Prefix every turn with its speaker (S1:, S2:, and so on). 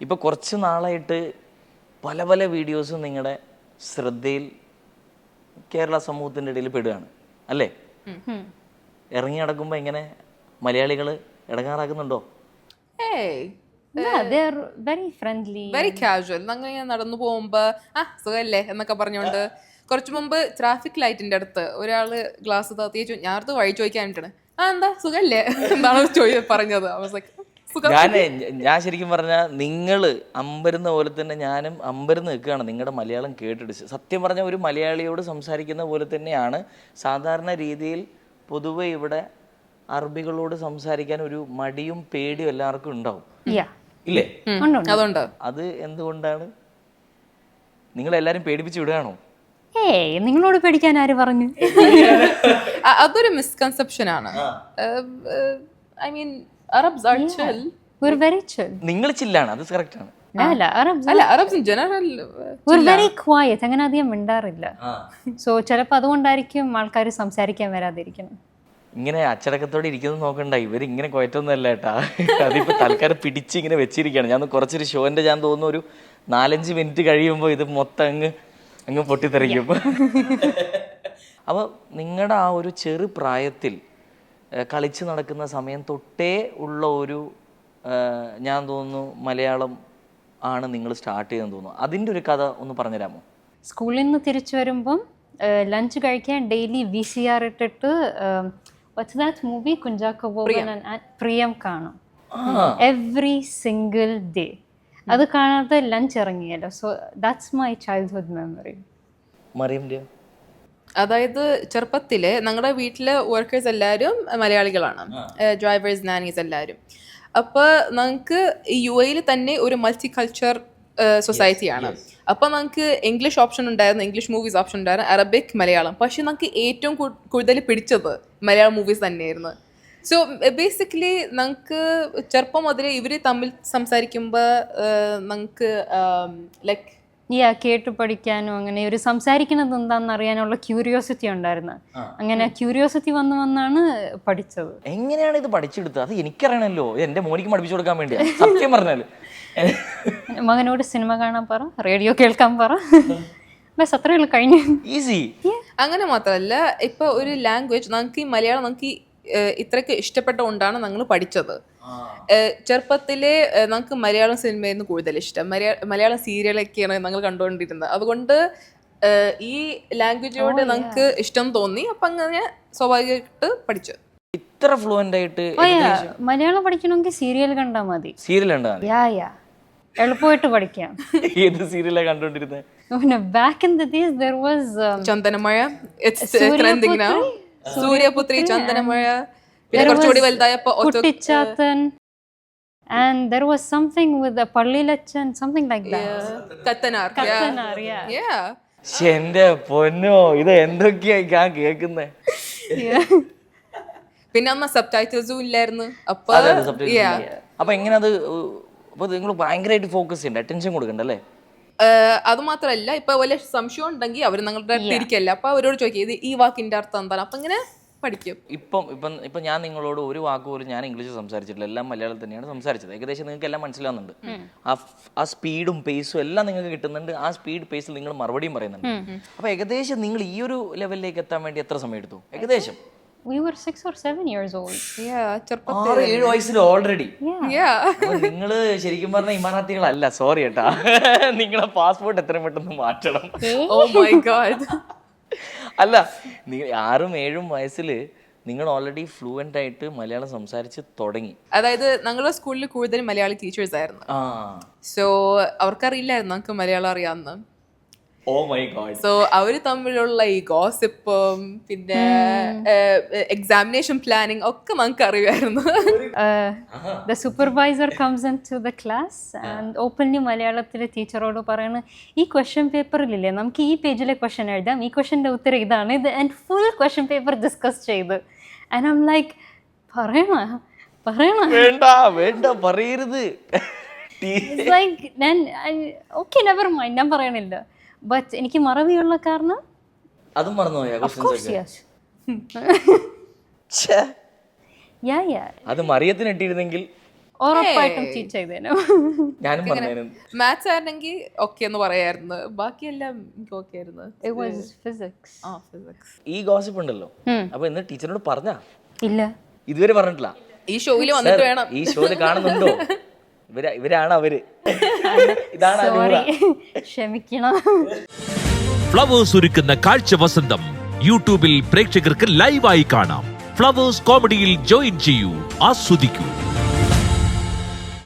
S1: ഇപ്പോൾ കുറച്ച് നാളായിട്ട് പല പല വീഡിയോസും നിങ്ങളുടെ ശ്രദ്ധയിൽ കേരള സമൂഹത്തിൻ്റെ ഇടയിൽ പെടുകയാണ് അല്ലേ? ഇറങ്ങി നടക്കുമ്പോൾ ഇങ്ങനെ മലയാളികൾ ഇടങ്ങാറാക്കുന്നുണ്ടോ?
S2: Very friendly,
S3: very casual. അങ്ങനെ നടന്നു പോകുമ്പോ സുഖല്ലേ എന്നൊക്കെ പറഞ്ഞോണ്ട്. കുറച്ചു മുമ്പ് ട്രാഫിക് ലൈറ്റിന്റെ അടുത്ത് ഒരാള് ഗ്ലാസ് താത്തിച്ചു, ഞാൻ അടുത്ത് വഴി ചോദിക്കാനിട്ടാണ്, എന്താ സുഖല്ലേ എന്നാണ് പറഞ്ഞത്.
S1: ഞാൻ ശരിക്കും പറഞ്ഞാൽ നിങ്ങൾ അമ്പരുന്ന പോലെ തന്നെ ഞാനും അമ്പരന്ന് നിൽക്കുകയാണ് നിങ്ങളുടെ മലയാളം കേട്ടിട്ട്. സത്യം പറഞ്ഞാൽ ഒരു മലയാളിയോട് സംസാരിക്കുന്ന പോലെ തന്നെയാണ് സാധാരണ രീതിയിൽ പൊതുവെ ഇവിടെ അറബികളോട് സംസാരിക്കാൻ ഒരു മടിയും പേടിയും എല്ലാവർക്കും ഉണ്ടാവും, ഇല്ലേ?
S3: അതുകൊണ്ട്
S1: അത് എന്തുകൊണ്ടാണ്? നിങ്ങളെല്ലാരും പേടിപ്പിച്ച് വിടുകയാണോ?
S2: നിങ്ങളോട് പേടിക്കാൻ ആര് പറഞ്ഞു?
S3: അതൊരു മിസ്കൺസെപ്ഷൻ ആണ്. I mean Arabs are chill.
S2: We're very chill.
S1: നിങ്ങൾ ചില്ലാണ്, അത് കറക്റ്റ് ആണ്.
S2: അല്ല,
S3: Arabs in general
S2: we're very quiet. അങ്ങനെ അധികം മിണ്ടാറില്ല. സോ ചിലപ്പോൾ അതുകൊണ്ടായിരിക്കും ആൾക്കാർ സംസാരിക്കാൻ വരാതിരിക്കണം.
S1: ഇങ്ങനെ അച്ചടക്കത്തോടെ ഇരിക്കുന്നത് നോക്കണ്ട, ഇവരിങ്ങനെ കുഴറ്റമൊന്നും അല്ല കേട്ടാ. അതിപ്പോൾ തൽക്കാലം പിടിച്ച് ഇങ്ങനെ വെച്ചിരിക്കുകയാണ്. ഞാൻ കുറച്ചൊരു ഷോൻ്റെ ഞാൻ തോന്നുന്നു ഒരു 4-5 മിനിറ്റ് കഴിയുമ്പോൾ ഇത് മൊത്തം അങ്ങ് പൊട്ടിത്തെറിക്കും. അപ്പോൾ നിങ്ങളുടെ ആ ഒരു ചെറു പ്രായത്തിൽ കളിച്ച് നടക്കുന്ന സമയം തൊട്ടേ ഉള്ള ഒരു ഞാൻ തോന്നുന്നു മലയാളം ആണ് നിങ്ങൾ സ്റ്റാർട്ട് ചെയ്തെന്ന് തോന്നുന്നു. അതിൻ്റെ ഒരു കഥ ഒന്ന് പറഞ്ഞുതരാമോ?
S2: സ്കൂളിൽ നിന്ന് തിരിച്ചു വരുമ്പം ലഞ്ച് കഴിക്കാൻ ഡെയിലി VCR ഇട്ടിട്ട് what's that movie Kunchacko Boban പ്രിയം കാണും എവറി സിംഗിൾ ഡേ. അത് കാണാതെ ലഞ്ച് ഇറങ്ങിയല്ലോ. So that's my childhood memory.
S3: മറിയംൻ്റെയോ? അതായത് ചെറുപ്പത്തില് ഞങ്ങളുടെ വീട്ടിലെ വർക്കേഴ്സ് എല്ലാവരും മലയാളികളാണ്, ഡ്രൈവേഴ്സ്, നാനീസ് എല്ലാവരും. അപ്പോൾ ഞങ്ങൾക്ക് UAE തന്നെ ഒരു മൾട്ടി കൾച്ചർ സൊസൈറ്റിയാണ്. അപ്പോൾ നമുക്ക് ഇംഗ്ലീഷ് ഓപ്ഷൻ ഉണ്ടായിരുന്നു, ഇംഗ്ലീഷ് മൂവീസ് ഓപ്ഷൻ ഉണ്ടായിരുന്നു, അറബിക്, മലയാളം. പക്ഷെ നമുക്ക് ഏറ്റവും കൂടുതൽ പിടിച്ചത് മലയാളം മൂവീസ് തന്നെയായിരുന്നു. സോ ബേസിക്കലി നമുക്ക് ചെറുപ്പം മുതൽ ഇവർ തമ്മിൽ സംസാരിക്കുമ്പോൾ നമുക്ക് ലൈക്ക്
S2: കേട്ട് പഠിക്കാനും അങ്ങനെ ഒരു സംസാരിക്കുന്നത് എന്താണെന്ന് അറിയാനുള്ള ക്യൂരിയോസിറ്റി ഉണ്ടായിരുന്നു. അങ്ങനെ ക്യൂരിയോസിറ്റി വന്നാണ് പഠിച്ചത്.
S1: എങ്ങനെയാണ് ഇത് പഠിച്ചെടുത്തത്? അത് എനിക്കറിയണല്ലോ, എൻ്റെ മോനിക്ക് പഠിപ്പിച്ചു കൊടുക്കാൻ വേണ്ടിയാണ് സത്യം പറഞ്ഞാൽ.
S2: മകനോട് സിനിമ കാണാൻ പറ, റേഡിയോ കേൾക്കാൻ പറ, ബസ് അത്രയുള്ള കഴിഞ്ഞു.
S1: ഈസി.
S3: അങ്ങനെ മാത്രമല്ല, ഇപ്പൊ ഒരു ലാംഗ്വേജ് നമുക്ക് ഈ മലയാളം നമുക്ക് ഇത്രയ്ക്ക് ഇഷ്ടപ്പെട്ടുകൊണ്ടാണ് ഞങ്ങൾ പഠിച്ചത്. ചെറുപ്പത്തിലെ നമുക്ക് മലയാളം സിനിമയായിരുന്നു കൂടുതൽ ഇഷ്ടം. മലയാളം സീരിയലൊക്കെയാണ് ഞങ്ങൾ കണ്ടുകൊണ്ടിരുന്നത്. അതുകൊണ്ട് ഈ ലാംഗ്വേജിനോട് നമുക്ക് ഇഷ്ടം തോന്നി. അപ്പം അങ്ങനെ സ്വാഭാവികമായിട്ട് പഠിച്ചു.
S1: ഇത്ര ഫ്ലുവൻ്റ് ആയിട്ട്
S2: മലയാളം പഠിക്കണമെങ്കിൽ സീരിയൽ കണ്ടാൽ മതി.
S1: സീരിയൽ കണ്ടാൽ
S2: എളുപ്പമായിട്ട് പഠിക്കാം.
S1: ഏത് സീരിയലാണ് കണ്ടോണ്ടിരുന്നത്?
S2: Back in the days there was
S3: Chandanamazha, Suryaputhri, Chandanamazha, പിന്നെ കുറച്ചുകൂടി വലുതായപ്പോ
S2: Kuttichathan, and there was something with the പള്ളിലച്ചൻ, something like that.
S3: കത്തനാർ.
S1: എന്റെ പൊന്നോ, ഇത് എന്തൊക്കെയാ ഞാൻ കേൾക്കുന്നേ.
S3: പിന്നെ അന്ന് സബ് ടൈറ്റിൽസും ഇല്ലായിരുന്നു.
S1: അപ്പൊ എങ്ങനെ അത് നിങ്ങൾ ഭയങ്കരമായിട്ട് ഫോക്കസ് ചെയ്യണ്ട, അറ്റൻഷൻ കൊടുക്കണ്ടല്ലേ?
S3: അത് മാത്രല്ല, ഇപ്പൊ വല്ല സംശയം ഉണ്ടെങ്കിൽ അവർ നിങ്ങളുടെ അടുത്ത് ഇരിക്കല്ല, അപ്പൊ അവരോട് ചോദിക്കുക ഇത് ഈ വാക്കിന്റെ അർത്ഥം എന്താണ്. അപ്പൊ ഇങ്ങനെ പഠിക്കും.
S1: ഇപ്പം ഞാൻ നിങ്ങളോട് ഒരു വാക്ക് പോലും ഞാൻ ഇംഗ്ലീഷ് സംസാരിച്ചിട്ടില്ല, എല്ലാം മലയാളം തന്നെയാണ് സംസാരിച്ചത്. ഏകദേശം നിങ്ങൾക്ക് എല്ലാം മനസ്സിലാവുന്നുണ്ട്. ആ സ്പീഡും പേസും എല്ലാം നിങ്ങൾക്ക് കിട്ടുന്നുണ്ട്. ആ സ്പീഡ് പേസിൽ നിങ്ങൾ മറുപടിയും പറയുന്നുണ്ട്. അപ്പൊ ഏകദേശം നിങ്ങൾ ഈ ഒരു ലെവലിലേക്ക് എത്താൻ വേണ്ടി എത്ര സമയം എടുത്തു? ഏകദേശം
S2: We were 6 or 7 years old.
S1: 6-7 വയസ്സിൽ ഓൾറെഡി. നിങ്ങള് ശരിക്കും പറഞ്ഞ ഇമാറാത്തികളല്ല, സോറി കേട്ടാ. നിങ്ങളെ പാസ്പോർട്ട് എത്രയും പെട്ടെന്ന് മാറ്റണം.
S3: Oh my God.
S1: അല്ല, 6-7 വയസ്സിൽ നിങ്ങൾ ഓൾറെഡി ഫ്ലുവൻ്റ് ആയിട്ട് മലയാളം സംസാരിച്ച് തുടങ്ങി.
S3: അതായത് ഞങ്ങളുടെ സ്കൂളിൽ കൂടുതൽ മലയാളി ടീച്ചേഴ്സ് ആയിരുന്നു. സോ അവർക്കറിയില്ലായിരുന്നു നമുക്ക് മലയാളം അറിയാമെന്ന്.
S1: Oh my God.
S3: സോ അവര് തമ്മിലുള്ള ഈ ഗോസിപ്പും പിന്നെ എക്സാമിനേഷൻ പ്ലാനിങ് ഒക്കെ നമുക്ക് അറിയുമായിരുന്നു.
S2: The supervisor comes into the class and openly മലയാളത്തിലെ ടീച്ചറോട് പറയുന്നത്, ഈ ക്വസ്റ്റ്യൻ പേപ്പറിലില്ലേ നമുക്ക് ഈ പേജിലെ ക്വസ്റ്റ്യൻ എഴുതാം, ഈ ക്വസ്റ്റ്യൻ്റെ ഉത്തരം ഇതാണ്, ഇത് and full question paper discuss ചെയ്ത്. ആൻഡ് ഐ ആം ലൈക്ക്, പറയണ
S1: വേണ്ട പറയരുത്.
S2: ഓക്കെ നെവർ മൈൻഡ്, ഞാൻ പറയണില്ല. ബട്ട് എനിക്ക് മറവിയുള്ള കാരണം
S1: അതും മറന്നുപോയാ?
S2: Yeah.
S1: അത് മറിയത്തിന് ഇട്ടിരുന്നെങ്കിൽ
S2: ഉറപ്പായിട്ടും ചീറ്റ് ചെയ്തേനു.
S1: ഞാനും പറഞ്ഞു.
S3: മാത്സ് ആയിരുന്നെങ്കിൽ ഓക്കെ എന്ന് പറയായിരുന്നു, ബാക്കിയെല്ലാം എനിക്ക് ഓക്കെ ആയിരുന്നു.
S2: It was physics.
S3: ഫിസിക്സ്.
S1: ഈ ഗോസിപ്പ് ഉണ്ടല്ലോ, അപ്പൊ ഇന്ന് ടീച്ചറിനോട് പറഞ്ഞാ?
S2: ഇല്ല.
S1: ഇതുവരെ പറഞ്ഞിട്ടില്ല.
S3: ഈ ഷോയിൽ വന്നിട്ട് വേണം.
S1: ഈ ഷോയിൽ കാണുന്നുണ്ടോ? ഇവരാണ് അവര്. ഇതാണ്
S2: സോറി, ക്ഷമിക്കണം.
S4: ഫ്ലവേഴ്സ് ഒരുക്കുന്ന കാഴ്ച വസന്തം യൂട്യൂബിൽ പ്രേക്ഷകർക്ക് ലൈവായി കാണാം. ഫ്ലവേഴ്സ് കോമഡിയിൽ ജോയിൻ ചെയ്യൂ, ആസ്വദിക്കൂ.